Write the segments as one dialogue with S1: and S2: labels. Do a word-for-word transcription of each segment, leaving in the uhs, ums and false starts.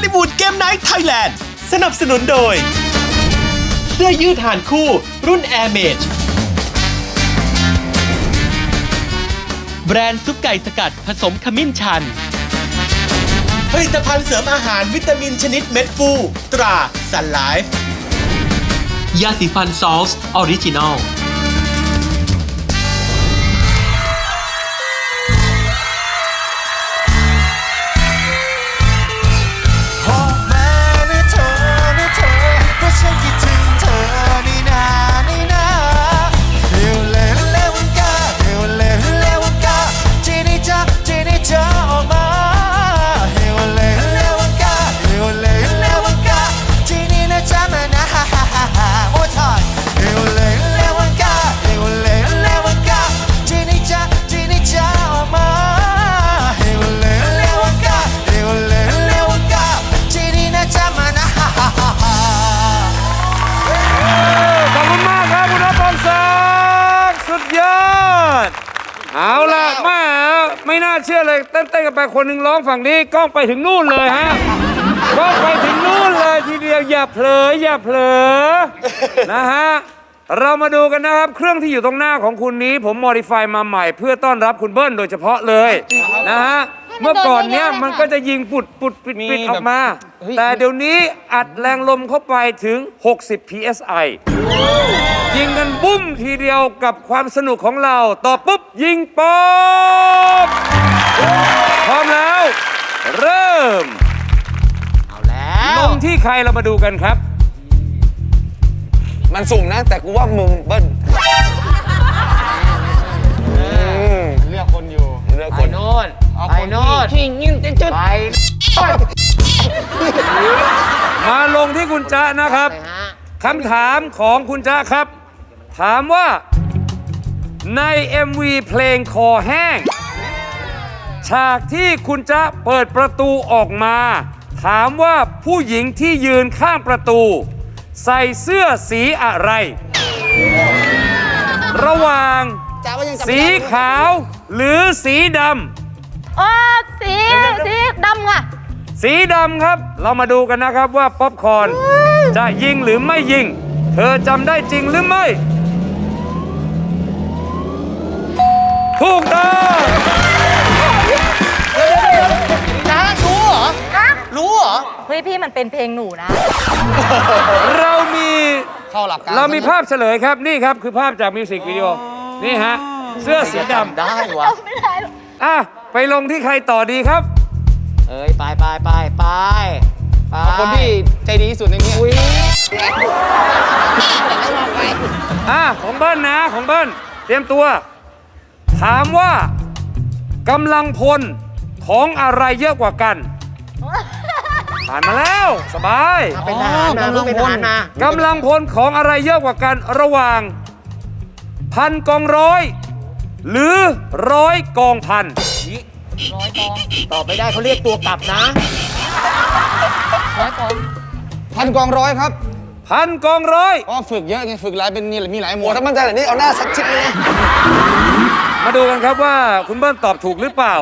S1: ลิวูดเกมไนท์ไทยแลนด์สนับสนุนโดยเสื้อยืดหานคู่รุ่น Air Mage แบรนด์ซุปไก่สกัดผสมขมิ้นชันผลิตภัณฑ์เสริมอาหารวิตามินชนิดเม็ดฟูตราซันไลฟ์ยาสีฟันซอลส์ออริจินอล
S2: เอาล่ะมาไม่น่าเชื่อเลยเต้นๆกันไปคนหนึ่งร้องฝั่งนี้กล้องไปถึงนู่นเลยฮะกล้องไปถึงนู่นเลยทีเดียวอย่าเผลออย่าเผลอนะฮะเรามาดูกันนะครับเครื่องที่อยู่ตรงหน้าของคุณนี้ผมโมดิฟายมาใหม่เพื่อต้อนรับคุณเบิ้ลโดยเฉพาะเลยนะฮะเมื่อก่อนเนี้ยมันก็จะยิงปุดปุดปิดปิดออกมาแต่เดี๋ยวนี้อัดแรงลมเข้าไปถึงหกสิบ พี เอส ไอ ยิงกันบุ้มทีเดียวกับความสนุกของเราต่อปุ๊บยิงป๊อบพร้อมแล้วเริ่มเอาแล้วลงที่ใครเรามาดูกันครับ
S3: มันสุ่มนะแต่กูว่ามึงเบิ้ล
S4: เลือกคนอยู่
S3: เลือกคน
S4: โน่นไปโน่นที่ยิงจุดไป
S2: มาลงที่คุณจ๊ะนะครับคำถามของคุณจ๊ะครับถามว่าใน เอ็ม วี เพลงคอแห้งฉากที่คุณจ๊ะเปิดประตูออกมาถามว่าผู้หญิงที่ยืนข้างประตูใส่เสื้อสีอะไรระหว่างสีขาวหรือสีดำ
S5: อ๋อสีสีดำค่ะ
S2: สีดำครับเรามาดูกันนะครับว่าป๊อปคอร์นจะยิงหรือไม่ยิงเธอจำได้จริงหรือไม่ถูกต้อง
S4: นะรู้เหรอรู้เหรอ
S5: เฮ้ยพี่มันเป็นเพลงหนูนะ
S2: เรามี
S4: เข้าหลักการ
S2: เรามีภาพเฉลยครับนี่ครับคือภาพจากมิวสิกวิดีโอนี่ฮะเสื้อสีดำ
S4: ได้วะ
S5: ไม่ได้
S2: อ่ะไปลงที่ใครต่อดีครับ
S4: เอ้ยไปไปไปไปเอาคนที่ใจดีที่สุดในนี้อุ้ย
S2: อ่ะของเบิ้ลนะของเบิ้ลเตรียมตัวถามว่ากำลังพลของอะไรเยอะกว่ากันผ่านมาแล้วสบาย
S4: เป็นทหารมาเป็นทหารม
S2: ากำลังพลของอะไรเยอะกว่ากันระหว่างพันกองร้อยหรือร้อยกองพัน
S4: ร้อยกองตอบไม่ได้เขาเรียกตัวกลับนะร้อยกองพันกองร้อยครับ
S2: พันกองร้อย
S4: ก็ฝึกเยอะไงฝึกหลายเป็นนี่มีหลายหมวด
S3: ถ้ามั่นใจแบบนี้เอาหน้าสักชิดเลย
S2: มาดูกันครับว่าคุณเบิ้ลตอบถูกหรือเปล่า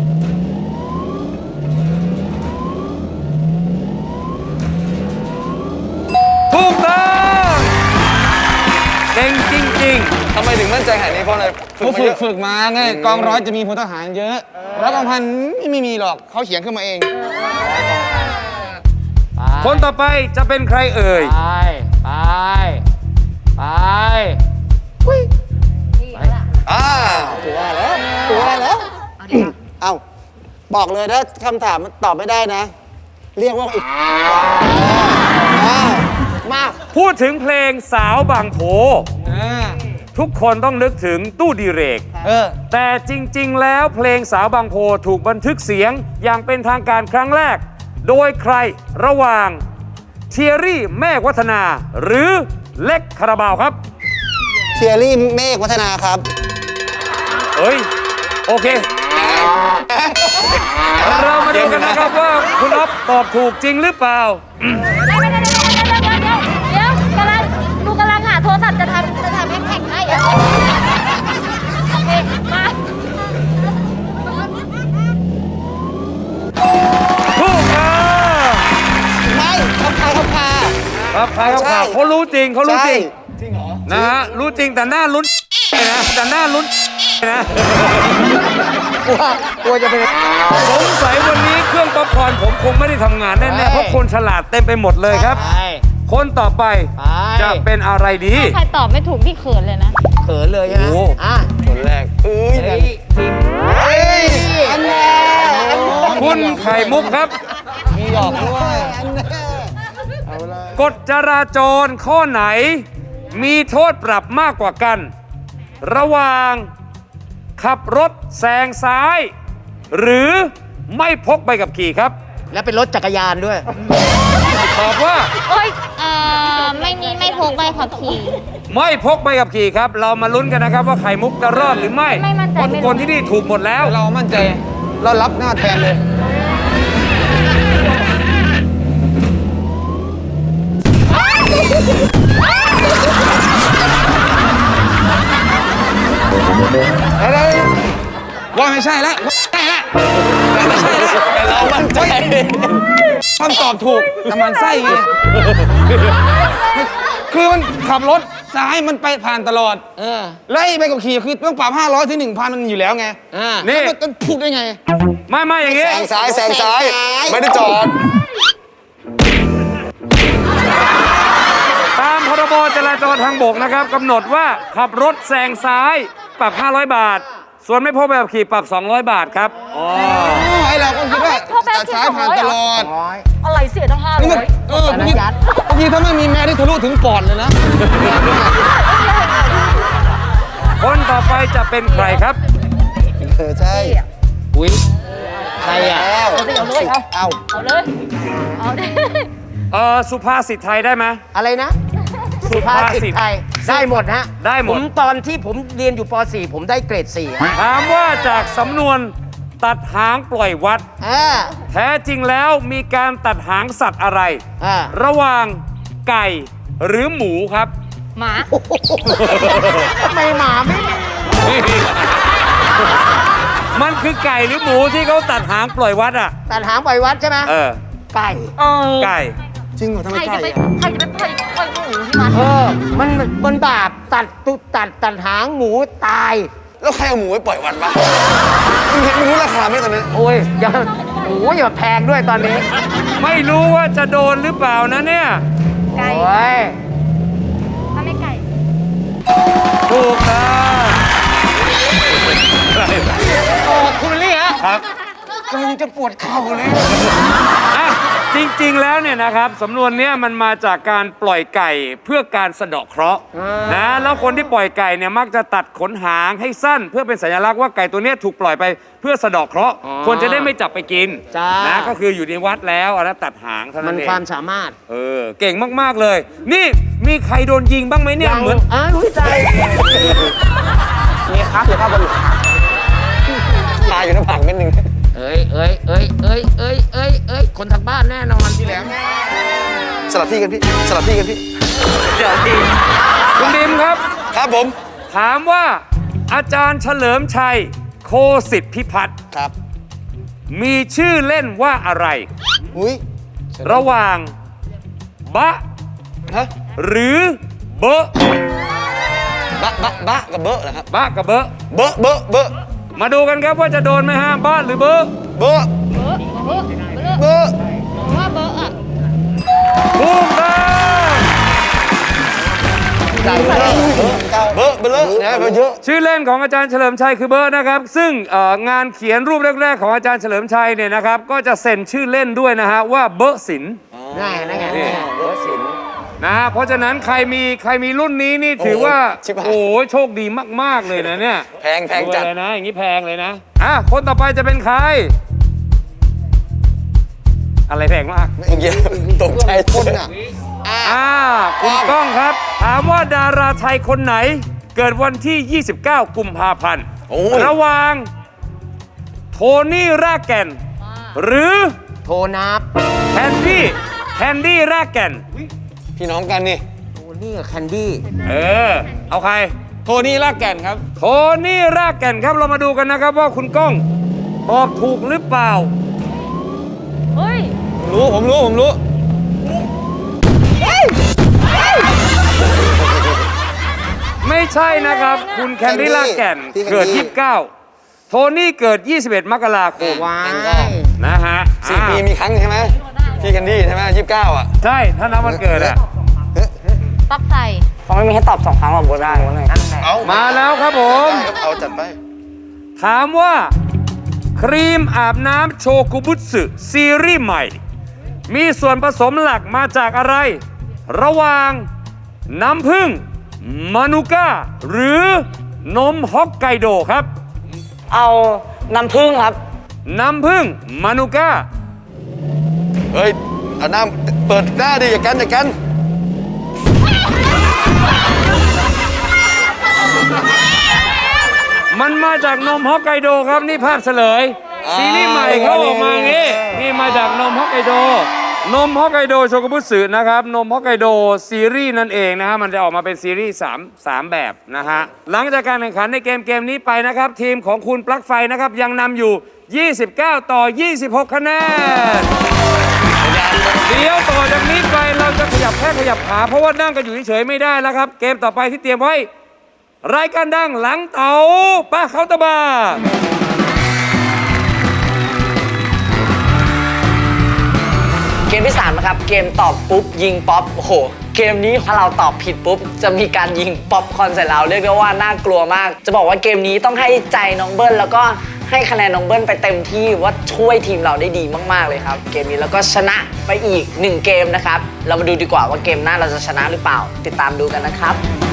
S2: ถูกต้องเก่งจริงๆ
S3: ทำไมถึงมั่นใจขนาดนี้เพราะอะไร
S4: ฝึกฝึกฝึกมาไงกองร้อยจะมีพลทหารเยอะร้อยกองพันไม่มีหรอกเขาเขียนขึ้นมาเอง
S2: คนต่อไปจะเป็นใครเอ่ย
S4: ไปไปไป
S3: อ่า
S4: ตัวแล้วตัวแล้ว
S3: เอ้าบอกเลยถ้าคำถามตอบไม่ได้นะเรียกว่า
S4: มา
S2: พูดถึงเพลงสาวบางโพทุกคนต้องนึกถึงตู้ดีเรกแต่จริงๆแล้วเพลงสาวบางโพถูกบันทึกเสียงอย่างเป็นทางการครั้งแรกโดยใครระหว่างเทียรี่เมฆวัฒนาหรือเล็กคาราบาวครับ
S3: เทียรี่เมฆวัฒนาครับ
S2: เอ้ยโอเคเรามาดูกันนะครับว่าคุณอ๊อฟตอบถูกจริงหรือเปล่า
S5: เดี๋ยวกำลังดูกำลังหาโทรศัพท์จะทำจะทำแฮชแท็กให้โอเคมา
S2: ถูกครับครับใครเขา
S3: ใช่
S2: ข่าวเขารู้จริงเขารู้จริง
S3: จริงเหรอ
S2: นะฮะรู้จริงแต่หน้าลุ้นนะแต่หน้าลุ้นนะ
S4: กลัวกลัวจะเป็น
S2: สงสัยวันนี้เครื่องป๊อปคอร์นผมคงไม่ได้ทำงานแน่ๆเพราะคนฉลาดเต็มไปหมดเลยครับ
S4: ใช่
S2: คนต่อไป
S4: ไป
S2: จะเป็นอะไรดี
S5: ใครตอบไม่ถูกพี่เขินเลยนะ
S4: เขินเลยนะ
S2: โอ้
S4: อ่ะ
S3: คนแรกเอ้ย
S4: เฮ้ยพิมพ์
S3: เฮ้ยอันแน่
S2: คุณไข่มุกครับ
S3: มีหยอกด้วยอันแน่
S2: กฎจราจรข้อไหน มีโทษปรับมากกว่ากัน ระหว่างขับรถแซงซ้าย หรือไม่พกใบขับขี่ครับ
S4: แล้วเป็นรถจักรยานด้วย
S2: ตอบว่า
S5: โอ้ยเอ่อไม่มีไม่พกใบขับขี่
S2: ไม่พกใบขับขี่ครับ เรามาลุ้นกันนะครับว่าไข่มุกจะรอดหรือไม่
S5: ไม่มั่นใจ
S2: เพราะทุกคน
S5: ไม่รู้
S2: ที่นี่ถูกหมดแล้ว
S3: เรามั่นใจเรารับหน้าแทนเลย
S6: ว่าไม่ใช่แล้วใช่แล้วไม่ใช่แล้ว
S3: แต่เรามั่นใจ
S6: คำตอบถูกแต่มันไส้ไงคือมันขับรถซ้ายมันไปผ่านตลอด
S4: เออ
S6: ไล่ไปกับขี่คือต้องปรับห้าร้อยถึงหนึ่งพันมันอยู่แล้วไง
S4: อ่า
S2: นี่
S6: แล้วมันพูดได้ไง
S2: ไม่ไม่อย่าง
S3: แซ
S2: งี้
S3: งซ้ายแซงซ้าย ไม่ได้จอด
S2: ตามพรบจราจรทางบกนะครับกำหนดว่าขับรถแซงซ้ายปรับ ห้าร้อย บาท ส่วนไม่พกใบขับขี่ปรับ สองร้อย บาทครับอ๋อ
S6: ไอเราก็คิดว่า
S5: พ่อแม่
S6: ตัดซ้ายผ่านตลอด
S4: ร้อย
S5: อะไรเสียตั้งห้า
S6: นี่
S5: ร้
S6: มัน
S5: อย
S6: เออบางทีบางทีถ้าไม่มีแม่ที่ทะลุถึงปอดเลยนะ
S2: คนต่อไปจะเป็นใครครับ
S3: เออใช่
S4: อุ้ยใครอ่ะ
S3: แล้ว
S5: เอาเลยเอา
S3: เอา
S5: เอาเลยเอาเลย
S2: เออสุภาษิตไทยได้ไหม
S4: อะไรนะ
S2: สุภาษิต
S4: ไทยได้หมดฮะ
S2: ได้หมด
S4: ผมตอนที่ผมเรียนอยู่ป .สี่ ผมได้เกรดสี่ฮะ
S2: ถามว่าจากสำนวนตัดหางปล่อยวัด
S4: อ่า
S2: แท้จริงแล้วมีการตัดหางสัตว์อะไร
S4: อ่า
S2: ระหว่างไก่หรือหมูครับ
S5: หมา
S4: ทำไมหมาไม่มี
S2: มันคือไก่หรือหมูที่เขาตัดหางปล่อยวัดอ่ะ
S4: ตัดหางปล่อยวัดใช่ไหม
S2: เออ
S4: ไก่
S5: เออ
S2: ไก่
S3: จริงเหรอทำไม
S5: ใคร
S3: ไก่
S5: จะไป
S3: อะ
S5: ใครจะไปปล่อยปล่อยหมูที่มัน
S4: เออ มันมันบาปตัดตุตัดตัดหางหมูตาย
S3: แล้วใครเอาหมูไปปล่อยวัดวะมึงเห็นมึงรู้ราคาไหมตอนนั้น
S4: โอ้ยอย่าโอ้ยอย่าแพงด้วยตอนนี้
S2: ไม่รู้ว่าจะโดนหรือเปล่านะเนี่ย
S5: ไก่
S4: โอ้ย
S5: ถ้าไม่ไก่
S2: ถูกครับ
S4: โอ้คุณลี่ฮะ
S2: ครับ
S4: กำลังจะปวดเข่าเลย
S2: อ่ะจริงๆ แล้วเนี่ยนะครับสำนวนเนี้ยมันมาจากการปล่อยไก่เพื่อการสะเดาะเคราะห์
S4: อ่าน
S2: นะแล้วคนที่ปล่อยไก่เนี่ยมักจะตัดขนหางให้สั้น เพื่อเป็นสัญลักษณ์ว่าไก่ตัวเนี้ยถูกปล่อยไปเพื่อสะเดาะเคราะห์คนจะได้ไม่จับไปกิน
S4: จ้า
S2: นะก็คืออยู่ในวัดแล้วอันนั้นตัดหางเท่า
S4: มั
S2: นั้น นเอง
S4: ความสามารถ
S2: เออเก่งมากๆเลย นี่มีใครโดนยิงบ้างไหมเนี่ยเหมือน
S4: อ่ารู้ใจ
S3: มีครับอยู่ข้างบนตายอยู่ในผักเม็ดหนึ่ง
S4: เอ้ยเอ้ยเอ้ยเอ้ยเอ้ยเอ้ยเอ้ยคนทางบ้านแน่นอนพี่แหลม
S3: สลับที่กันพี่ สลับที่กันพี่
S2: เดี๋ยวทีคุณดิมครับ
S3: ครับผม
S2: ถามว่าอาจารย์เฉลิมชัยโคสิทธิพิพัฒน์
S3: ครับ
S2: มีชื่อเล่นว่าอะไร
S3: อุ้ย
S2: ระหว่างบะ
S3: ฮะ
S2: หรือเบอะ
S3: บะบะบะกับเบอะเหรอครับ
S2: บะกับเบอะ
S3: เบอะเบอะเบอะ
S2: มาดูกันครับว่าจะโดนไหมฮะบะหรือเบอะ
S3: เบอะ
S5: เบอร์เบอร์เบอร์
S3: เบอะ
S5: ว่าเบอร์อ่ะ
S2: ถูกต้อง
S3: เบอะเบอะเบอะเบอะนะเบอะเยอะ
S2: ชื่อเล่นของอาจารย์เฉลิมชัยคือเบอะนะครับ ซึ่งเอ่องานเขียนรูปแรกๆของอาจารย์เฉลิมชัยเนี่ยนะครับ ก็จะเซ็นชื่อเล่นด้วยนะฮะว่าเบอะศิลป์
S4: นั่นไงนั่นไงนั่นไงเบอร์สิน
S2: นะฮะเพราะฉะนั้นใครมีใครมีรุ่นนี้นี่ถือว่า
S3: ชิบหาย
S2: โอ้โโชคดีมากๆเลยนะเนี่ย
S3: แพงแพงจัด
S2: รวยเลยนะอย่างนี้แพงเลยนะอ่ะคนต่อไปจะเป็นใคร อะไรแพงมาก
S3: เมื่อกี้ตกใจคนอ่ะ
S2: อ่าคุณก้องครับ ถามว่าดาราไทยคนไหน เกิดวันที่ ยี่สิบเก้า กุมภาพันธ์
S3: โอ้ย
S2: ระหว่างโทนี่รากแก่น หรือ
S4: โทนับ
S2: แคนดี้แคนดี้รากแก่น
S3: พี่น้องกันนี่
S4: โอ้นี่กับแคนดี้
S2: เออ เอาใคร
S6: โทนี่ลากแก่นครับ
S2: โทนี่รากแก่นครับเรามาดูกันนะครับว่าคุณก้องตอบถูกหรือเปล่า
S5: เฮ้ย
S6: รู้ผมรู้ผมรู้
S2: ไม่ใช่นะครับ คุณแคนดี้ลากแก่น
S3: พี่แคนดี้
S2: เกิด ยี่สิบเก้า โทนี่เกิด ยี่สิบเอ็ด มกราคม
S4: ว้า
S3: งั้น
S4: ย
S3: ก็
S2: นะฮะ
S6: สี่ปีมีครั้งใช่ไหมพี่แคนดี้ใช่ไหมยี่สิบเก้าอ่ะ
S2: ใช่ ถ้านับวันเกิดอะ
S5: ปักใส่
S4: เขาไม่มีให้ตอบสองครั้งหรอกโบได้
S6: เอา
S2: มาแล้วครับผม
S6: เอาจัดไป
S2: ถามว่า ครีมอาบน้ำโชกุบุสึซีรีส์ใหม่ มีส่วนผสมหลักมาจากอะไร ระหว่างน้ำผึ้งมานูก้า หรือนมฮอกไกโดครับ
S4: เอาน้ำผึ้งครับ
S2: น้ำผึ้งมานูก้า
S6: เฮ้ย เอาหน้าเปิดหน้าดิอย่ากันอย่ากัน
S2: มันมาจากนมฮอกไกโดครับนี่ภาพเฉลย ซีรีส์ใหม่เขาออกมาอย่างงี้นี่มาจากนมฮอกไกโด นมฮอกไกโดโชกุบุสึนะครับนมฮอกไกโดซีรีส์นั่นเองนะฮะมันจะออกมาเป็นซีรีส์3 3แบบนะฮะหลังจากการแข่งขันในเกมเกมนี้ไปนะครับ ทีมของคุณปลั๊กไฟนะครับยังนำอยู่ ยี่สิบเก้า ต่อ ยี่สิบหก คะแนน เดี๋ยวต่อจากนี้ไปเราจะขยับแค่ขยับขาเพราะว่านั่งกันอยู่เฉยๆไม่ได้แล้วครับ เกมต่อไปที่เตรียมไว้ รายการดังหลังเต๋าป้าเขาน์ตะบาร์
S7: เกมที่สามนะครับ เกมตอบปุ๊บ ยิงป๊อปโอ้โห เกมนี้ถ้าเราตอบผิดปุ๊บ จะมีการยิงป๊อปคอร์นใส่เราเรียกได้ว่าน่ากลัวมาก จะบอกว่าเกมนี้ต้องให้ใจน้องเบิ้ลแล้วก็ให้คะแนนน้องเบิ้ลไปเต็มที่ว่าช่วยทีมเราได้ดีมากๆเลยครับ เกมนี้แล้วก็ชนะไปอีกหนึ่งเกมนะครับ เรามาดูดีกว่าว่าเกมหน้าเราจะชนะหรือเปล่า ติดตามดูกันนะครับ